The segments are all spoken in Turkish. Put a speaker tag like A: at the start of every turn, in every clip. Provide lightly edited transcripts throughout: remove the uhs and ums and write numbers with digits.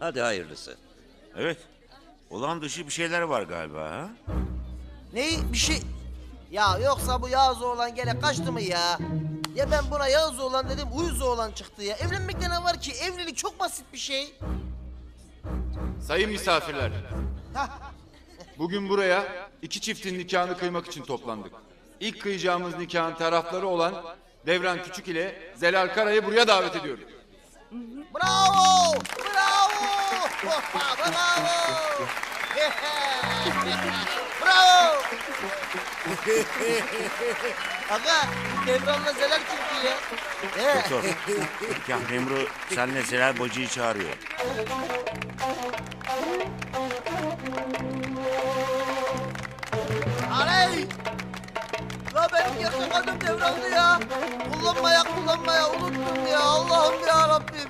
A: Hadi hayırlısı.
B: Evet. Olan dışı bir şeyler var galiba ha?
C: Neyi bir şey... Ya yoksa bu Yağız oğlan gene kaçtı mı ya? Ya ben buna Yağız oğlan dedim, uyuz oğlan çıktı ya. Evlenmekte ne var ki? Evlilik çok basit bir şey.
D: Sayın misafirler. Bugün buraya iki çiftin nikahını kıymak için toplandık. İlk kıyacağımız nikahın tarafları olan Devran Küçük ile Zelal Kara'yı buraya davet ediyorum.
C: Bravo! Bravo! Bravo! Bravo! Aga, Devran'la Zelal kimdi ya?
B: Doktor. Nikah memuru senle Zelal bacıyı çağırıyor.
C: Aley! La benim gerçek adım Devran'dı ya. Kullanmaya unuttum ya. Allah'ım ya Rabbim.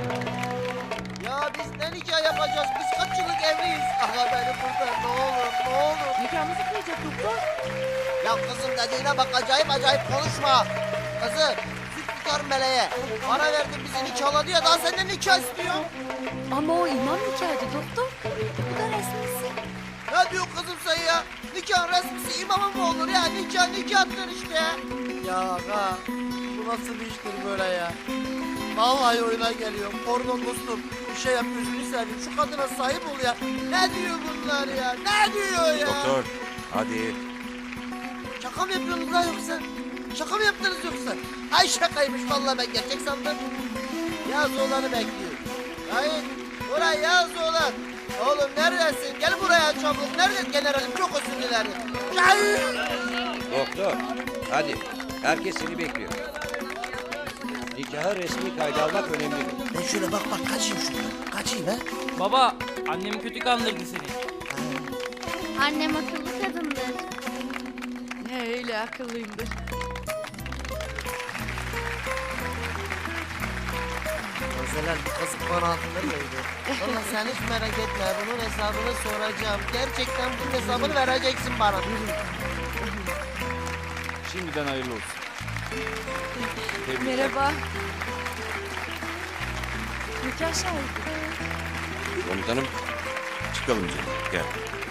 C: Ya biz ne nikah yapacağız? Biz kaç yıllık evliyiz? Aga beni kurtar ne olur.
E: Nikahımızı kıyacak doktor.
C: Ya kızım dediğine bak acayip konuşma. Kızım süt tutar meleğe. Para verdin bizi nikahladı ya daha senden nikah istiyor.
E: Ama o imam nikahıydı doktor. Bu da resmisi.
C: Ne diyor kızım sen ya? Nikah resmisi imamın mı olur ya? Nikahtır işte. Ya aga bu nasıl bir iştir böyle ya? Vallahi oyuna geliyor. Pardon dostum bir şey yap gözünü seveyim. Şu kadına sahip ol ya. Ne diyor bunlar ya? Ne diyor ya?
B: Doktor. Hadi.
C: Şaka mı yapıyorsunuz lan yoksa? Şaka mı yaptınız yoksa? Ay şakaymış vallahi ben gerçek sandım. Yaz oğlanı bekliyorum. Hayır buraya yaz oğlan. Oğlum neredesin? Gel buraya çabuk. Nerede generalim? Çok özür dilerim. Hayır.
A: Doktor, hadi. Herkes seni bekliyor. Nikaha resmi kayda almak önemlidir.
C: Ben şöyle bak kaçayım şuradan. Kaçayım ha.
F: Baba, annem kötü kandırdı seni.
G: Annem akıllı kadındır.
E: Ne öyle akıllıyımdır.
C: Özeler kazık bana altınları veriyor. Valla sen hiç merak etme. Bunun hesabını soracağım. Gerçekten bunun hesabını vereceksin bana.
D: Şimdiden hayırlı olsun. Tebrikler.
E: Merhaba. Nikah şahidi.
B: Komutanım. Çıkalım canım. Gel.